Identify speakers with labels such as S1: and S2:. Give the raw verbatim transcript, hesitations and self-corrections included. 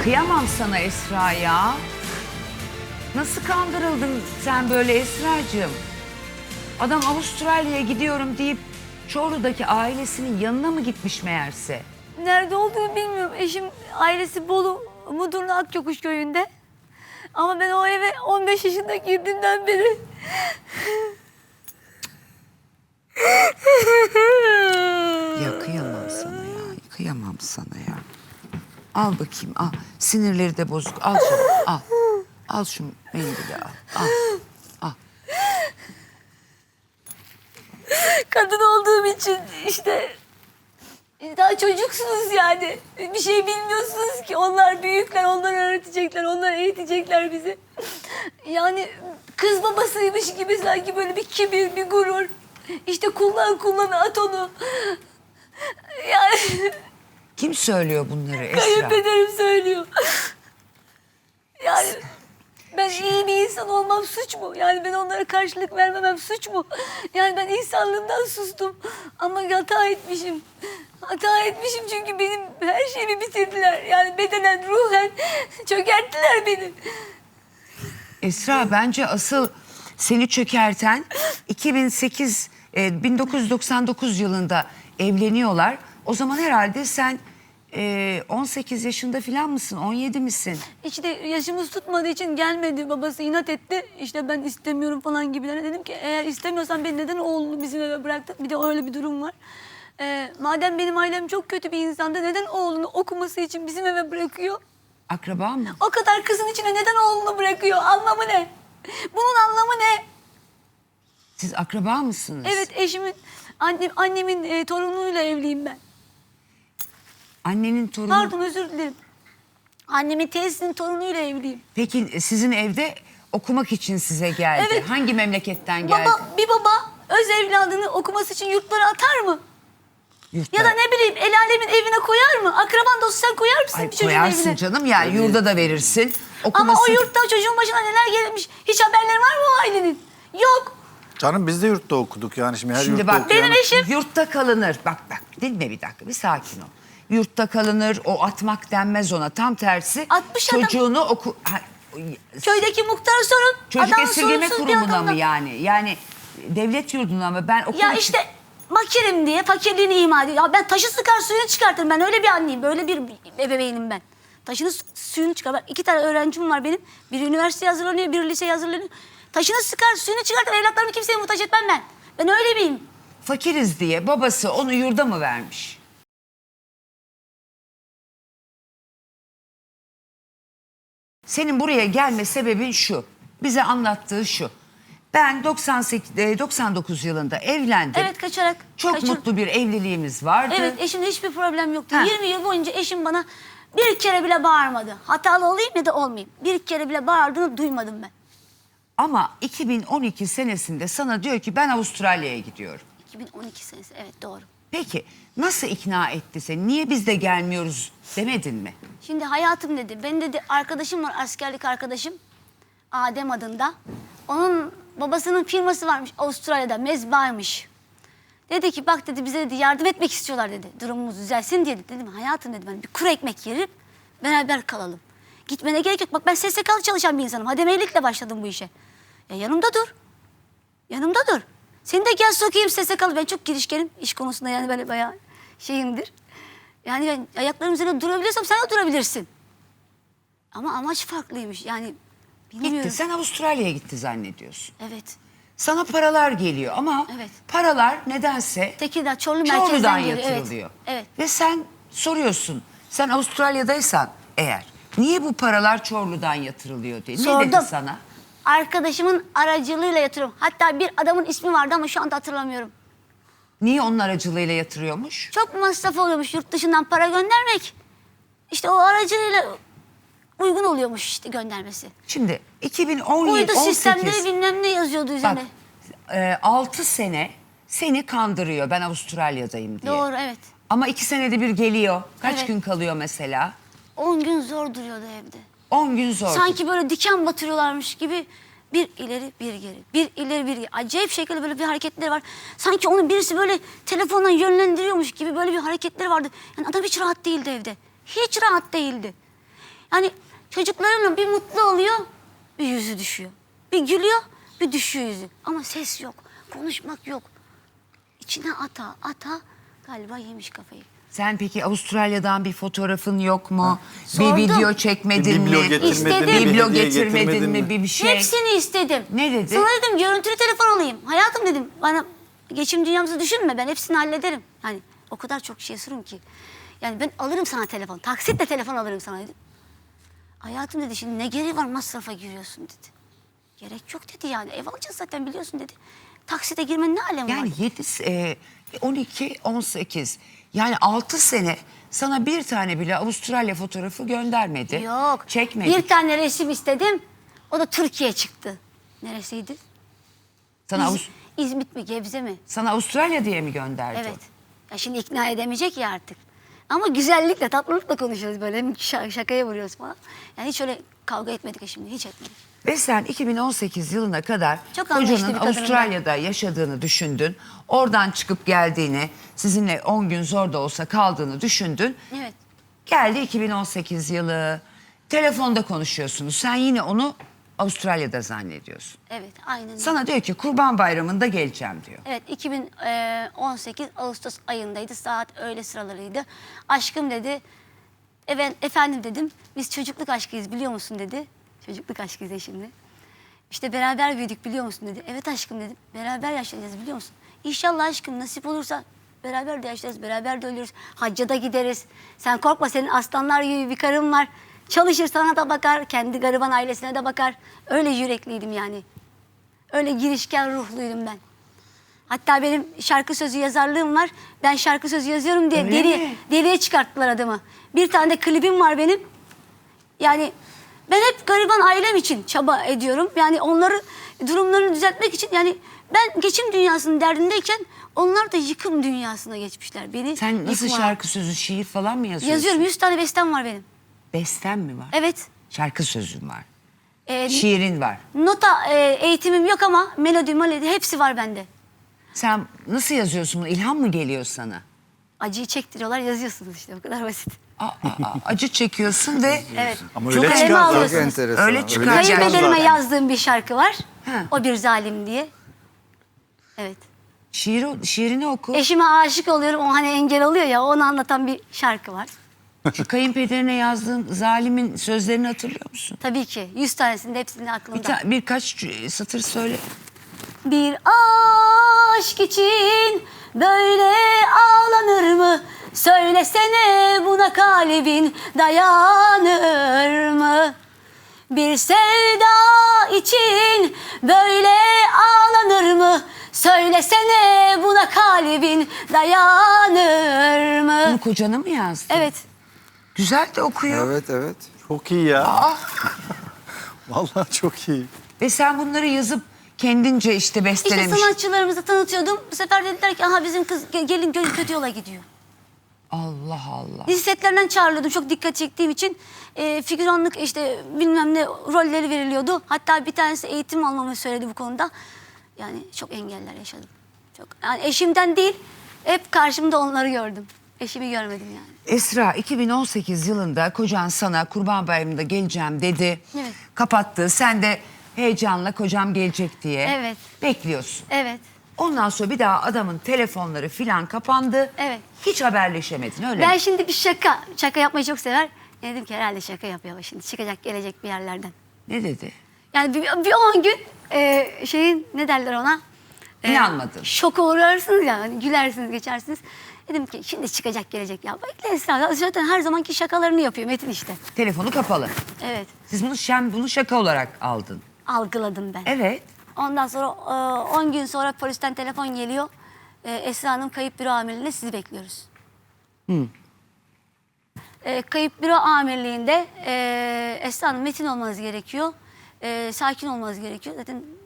S1: Kıyamam sana Esra ya. Nasıl kandırıldın sen böyle Esracığım? Adam Avustralya'ya gidiyorum deyip Çorlu'daki ailesinin yanına mı gitmiş meğerse?
S2: Nerede olduğunu bilmiyorum. Eşim ailesi Bolu Mudurnu Akçokuş köyünde. Ama ben o eve on beş yaşında girdiğimden beri...
S1: Ya kıyamam sana ya. Kıyamam sana ya. Al bakayım al. Sinirleri de bozuk. Al şunu al. Al şu mendili al. Al. Al.
S2: Kadın olduğum için işte... Daha çocuksunuz yani. Bir şey bilmiyorsunuz ki. Onlar büyükler, onlar öğretecekler, onlar eğitecekler bizi. Yani kız babasıymış gibi sanki böyle bir kibir, bir gurur. İşte kullan kullan at onu. Yani
S1: Kim söylüyor bunları Esra?
S2: kayınpederim söylüyor. Yani ben iyi bir insan olmam suç mu? Yani ben onlara karşılık vermemem suç mu? Yani ben insanlığımdan sustum. Ama hata etmişim. Hata etmişim çünkü benim her şeyimi bitirdiler. Yani bedenen, ruhen çökerttiler beni.
S1: Esra bence asıl seni çökerten iki bin sekiz, e, bin dokuz yüz doksan dokuz yılında evleniyorlar. O zaman herhalde sen e, on sekiz yaşında falan mısın, on yedi misin?
S2: İşte yaşımız tutmadığı için gelmedi. Babası inat etti. İşte ben istemiyorum falan gibilerine. Dedim ki eğer istemiyorsan beni neden oğlunu bizim eve bıraktın? Bir de öyle bir durum var. Ee, madem benim ailem çok kötü bir insandı neden oğlunu okuması için bizim eve bırakıyor?
S1: Akraba mı?
S2: O kadar kızın içine neden oğlunu bırakıyor? Anlamı ne? Bunun anlamı ne?
S1: Siz akraba mısınız?
S2: Evet, eşimin, annem, annemin e, torunuyla evliyim ben.
S1: Annenin torunu...
S2: Pardon, özür dilerim. Annemin teyzesinin torunuyla evliyim.
S1: Peki sizin evde okumak için size geldi.
S2: Evet.
S1: Hangi memleketten geldi?
S2: Baba, bir baba öz evladını okuması için yurtlara atar mı?
S1: Yurtta.
S2: Ya da ne bileyim el alemin evine koyar mı? Akraban dostu sen koyar mısın
S1: Ay,
S2: bir çocuğun
S1: koyarsın
S2: evine?
S1: canım ya, yurda da verirsin.
S2: Ama
S1: Okuması...
S2: o yurtta çocuğun başına neler gelmiş? Hiç haberleri var mı o ailenin? Yok.
S3: Canım biz de yurtta okuduk yani şimdi her
S1: Şimdi
S3: yurtta
S1: bak
S3: okuyan...
S2: Benim eşim-
S1: yurtta kalınır. Bak bak dinle bir dakika, bir sakin ol. Yurtta kalınır, o atmak denmez ona. Tam tersi
S2: Atmış adam.
S1: çocuğunu oku... Ha,
S2: Köydeki muhtara sorun.
S1: çocuk
S2: Adam
S1: esirgeme
S2: sorumsuz bir
S1: kurumuna
S2: adamdan.
S1: mı yani? Yani devlet yurduna mı? Ben okul
S2: Ya
S1: için-
S2: işte makirim diye fakirliğini ima ediyor. Ya ben taşı sıkar suyunu çıkartırım. Ben öyle bir anneyim. Böyle bir ebeveynim ben. Taşını su- suyunu çıkar. Bak iki tane öğrencim var benim. Biri üniversiteye hazırlanıyor, biri liseye hazırlanıyor. Taşını sıkar, suyunu çıkartır. Evlatlarımı kimseye muhtaç etmem ben. Ben öyle biriyim.
S1: fakiriz diye babası onu yurda mı vermiş? Senin buraya gelme sebebin şu. Bize anlattığı şu. Ben doksan sekiz, doksan dokuz yılında evlendim.
S2: Evet, kaçarak.
S1: Çok
S2: kaçır-
S1: mutlu bir evliliğimiz vardı.
S2: Evet, eşimle hiçbir problem yoktu.
S1: Ha.
S2: yirmi yıl boyunca eşim bana bir kere bile bağırmadı. Hatalı olayım ya da olmayayım. Bir kere bile bağırdığını duymadım ben.
S1: Ama iki bin on iki senesinde sana diyor ki ben Avustralya'ya gidiyorum.
S2: iki bin on iki senesi, evet doğru.
S1: Peki nasıl ikna etti seni? Niye biz de gelmiyoruz demedin mi?
S2: Şimdi hayatım dedi. Benim dedi arkadaşım var, askerlik arkadaşım. Adem adında. Onun babasının firması varmış Avustralya'da, mezbahaymış. Dedi ki bak dedi bize dedi yardım etmek istiyorlar dedi. Durumumuz düzelsin diye dedi. Dedim hayatım dedim ben bir kuru ekmek yerim beraber kalalım. Gitmene gerek yok. Bak ben S S K'lı çalışan bir insanım. Hademeylikle başladım bu işe. Ya yanımda dur. Yanımda dur. Seni de gel sokayım S S K'lı. Ben çok girişkenim iş konusunda yani böyle bayağı şeyimdir. Yani ben ayaklarım üzerinde durabiliyorsam sen de durabilirsin. Ama amaç farklıymış yani bilmiyorum.
S1: Gitti, sen Avustralya'ya gitti zannediyorsun.
S2: Evet.
S1: Sana paralar geliyor ama
S2: Evet.
S1: paralar nedense
S2: Tekirdağ, Çorlu merkezden
S1: Çorlu'dan
S2: geliyor.
S1: yatırılıyor.
S2: Evet. evet.
S1: Ve sen soruyorsun, sen Avustralya'daysan eğer niye bu paralar Çorlu'dan yatırılıyor diye. Ne
S2: Sordum.
S1: dedi sana?
S2: Arkadaşımın aracılığıyla yatırıyorum. Hatta bir adamın ismi vardı ama şu anda hatırlamıyorum.
S1: Niye onun aracılığıyla yatırıyormuş?
S2: Çok masraf oluyormuş yurt dışından para göndermek. İşte o aracılığıyla uygun oluyormuş işte göndermesi.
S1: Şimdi iki bin on yedi
S2: Uydu
S1: on sekiz
S2: sistemleri bilmem ne yazıyordu
S1: bak
S2: üzerine.
S1: e, altı sene seni kandırıyor ben Avustralya'dayım diye.
S2: Doğru, evet.
S1: Ama iki senede bir geliyor. Kaç
S2: Evet.
S1: gün kalıyor mesela?
S2: On gün zor duruyordu evde.
S1: On gün zor.
S2: Sanki böyle diken batırıyorlarmış gibi bir ileri bir geri. Bir ileri bir geri. Acayip şekilde böyle bir hareketleri var. Sanki onu birisi böyle telefonla yönlendiriyormuş gibi böyle bir hareketleri vardı. Yani adam hiç rahat değildi evde. Hiç rahat değildi. Yani çocuklarımla bir mutlu oluyor, bir yüzü düşüyor. Bir gülüyor, bir düşüyor yüzü. Ama ses yok, konuşmak yok. İçine ata ata galiba yemiş kafayı.
S1: Sen peki Avustralya'dan bir fotoğrafın yok mu? Bir
S2: Sordum.
S1: video çekmedin
S3: Bir biblo
S1: mi?
S3: getirmedin
S2: İstedim.
S3: mi? Bir
S1: Biblo
S3: hediye
S1: getirmedin
S3: getirmedin
S1: mi?
S3: mi?
S1: Bir, bir şey.
S2: Hepsini istedim.
S1: Ne dedi?
S2: Sana dedim görüntülü telefon alayım. Hayatım dedim bana geçim dünyamızı düşünme, ben hepsini hallederim. Yani o kadar çok şey sorun ki. Yani ben alırım sana telefon, taksitle telefon alırım sana dedim. Hayatım dedi şimdi ne gereği var masrafa giriyorsun dedi. Gerek yok dedi yani ev alacağız zaten biliyorsun dedi. Taksite girmenin ne alemi
S1: Yani
S2: var?
S1: yedi, e, on iki, on sekiz yani altı sene sana bir tane bile Avustralya fotoğrafı göndermedi.
S2: Yok.
S1: Çekmedi.
S2: Bir tane resim istedim. O da Türkiye çıktı. Neresiydi?
S1: Sana,
S2: İz-
S1: Avus-
S2: İzmit mi Gebze mi?
S1: sana Avustralya diye mi gönderdi?
S2: Evet. Ya şimdi ikna edemeyecek ya artık. Ama güzellikle, tatlılıkla konuşuyoruz böyle. Hem şa- şakaya vuruyoruz falan. Yani hiç öyle kavga etmedik eşimle, hiç etmedik.
S1: Ve sen iki bin on sekiz yılına kadar
S2: Çok anlayışlı
S1: kocanın
S2: bir kadınım
S1: Avustralya'da yaşadığını düşündün. Oradan çıkıp geldiğini, sizinle on gün zor da olsa kaldığını düşündün.
S2: Evet.
S1: Geldi iki bin on sekiz yılı. Telefonda konuşuyorsunuz. Sen yine onu Avustralya'da zannediyorsun.
S2: Evet, aynen öyle.
S1: Sana diyor ki Kurban Bayramı'nda geleceğim diyor.
S2: Evet, iki bin on sekiz Ağustos ayındaydı. Saat öğle sıralarıydı. Aşkım dedi. Evet, efendim dedim. Biz çocukluk aşkıyız biliyor musun dedi. Çocukluk aşkıyız eşimle. İşte beraber büyüdük biliyor musun dedi. Evet aşkım dedim. Beraber yaşayacağız biliyor musun? İnşallah aşkım nasip olursa beraber de yaşarız, beraber de ölürüz. Hacca da gideriz. Sen korkma senin aslanlar gibi bir karın var. Çalışır sana da bakar, kendi gariban ailesine de bakar. Öyle yürekliydim yani. Öyle girişken ruhluydum ben. Hatta benim şarkı sözü yazarlığım var. Ben şarkı sözü yazıyorum diye
S1: Öyle
S2: deli,
S1: mi?
S2: deliye çıkarttılar adımı. Bir tane de klibim var benim. Yani ben hep gariban ailem için çaba ediyorum. Yani onları durumlarını düzeltmek için yani ben geçim dünyasının derdindeyken onlar da yıkım dünyasına geçmişler. Beni
S1: Sen nasıl
S2: yıkma.
S1: şarkı sözü, şiir falan mı yazıyorsun?
S2: Yazıyorum. Yüz tane bestem var benim.
S1: Besten mi var?
S2: Evet.
S1: Şarkı sözün var.
S2: Ee,
S1: Şiirin var.
S2: nota e, eğitimim yok ama melodi, melodi hepsi var bende.
S1: Sen nasıl yazıyorsun bunu? İlham mı geliyor sana?
S2: Acıyı çektiriyorlar yazıyorsunuz işte o kadar basit.
S1: Aa, aa, acı çekiyorsun ve
S2: Evet.
S3: Ama
S1: Çok
S3: öyle
S2: kaleme
S3: çıkar
S2: alıyorsunuz.
S3: zaten.
S4: enteresan.
S1: Öyle çıkar.
S4: Öyle
S2: Kayınpederime
S1: zaten.
S2: yazdığım bir şarkı var.
S1: Ha.
S2: O bir zalim diye. Evet.
S1: şiiri, şiirini oku.
S2: Eşime aşık oluyorum. O hani engel oluyor ya onu anlatan bir şarkı var.
S1: Şu kayınpederine yazdığın zalimin sözlerini hatırlıyor musun?
S2: Tabii ki. Yüz tanesinde hepsinde
S1: Bir
S2: aklımda.
S1: ta- birkaç cü- satır söyle.
S2: Bir aşk için böyle ağlanır mı? Söylesene buna kalbin dayanır mı? Bir sevda için böyle ağlanır mı? Söylesene buna kalbin dayanır
S1: Bunu
S2: mı?
S1: kocana mı yazdın?
S2: Evet.
S1: Güzel de okuyor.
S4: Evet evet.
S3: Çok iyi ya. Vallahi çok iyi.
S1: Ve sen bunları yazıp kendince işte
S2: İşte
S1: bestelemiş.
S2: sanatçılarımızı tanıtıyordum. Bu sefer dediler ki aha bizim kız ge- gelin gönül kötü yola gidiyor.
S1: Allah Allah.
S2: Dizi setlerinden çağrılıyordum çok dikkat çektiğim için. E, figüranlık işte bilmem ne rolleri veriliyordu. Hatta bir tanesi eğitim almamı söyledi bu konuda. Yani çok engeller yaşadım. Çok yani eşimden değil hep karşımda onları gördüm. Eşimi görmedim yani.
S1: Esra iki bin on sekiz yılında kocan sana Kurban Bayramı'nda geleceğim dedi.
S2: Evet.
S1: Kapattı. Sen de heyecanla kocam gelecek diye
S2: Evet.
S1: bekliyorsun.
S2: Evet.
S1: Ondan sonra bir daha adamın telefonları filan kapandı.
S2: Evet.
S1: Hiç haberleşemedin öyle
S2: Ben
S1: mi?
S2: şimdi bir şaka, şaka yapmayı çok sever. Dedim ki herhalde şaka yapıyor şimdi. Çıkacak gelecek bir yerlerden.
S1: Ne dedi?
S2: Yani bir, bir on gün e, şeyin ne derler ona? E,
S1: İnanmadın.
S2: Şoka uğrarsınız ya. Hani gülersiniz geçersiniz. Dedim ki şimdi çıkacak gelecek ya. Bekle Esra. Zaten her zamanki şakalarını yapıyor Metin işte.
S1: Telefonu kapalı.
S2: Evet.
S1: Siz bunu şen, bunu şaka olarak aldın.
S2: Algıladım ben.
S1: Evet.
S2: Ondan sonra on gün sonra polisten telefon geliyor. E, Esra Hanım kayıp büro amirliğinde sizi bekliyoruz. E, kayıp büro amirliğinde e, Esra Hanım metin olmanız gerekiyor. E, sakin olmanız gerekiyor. Zaten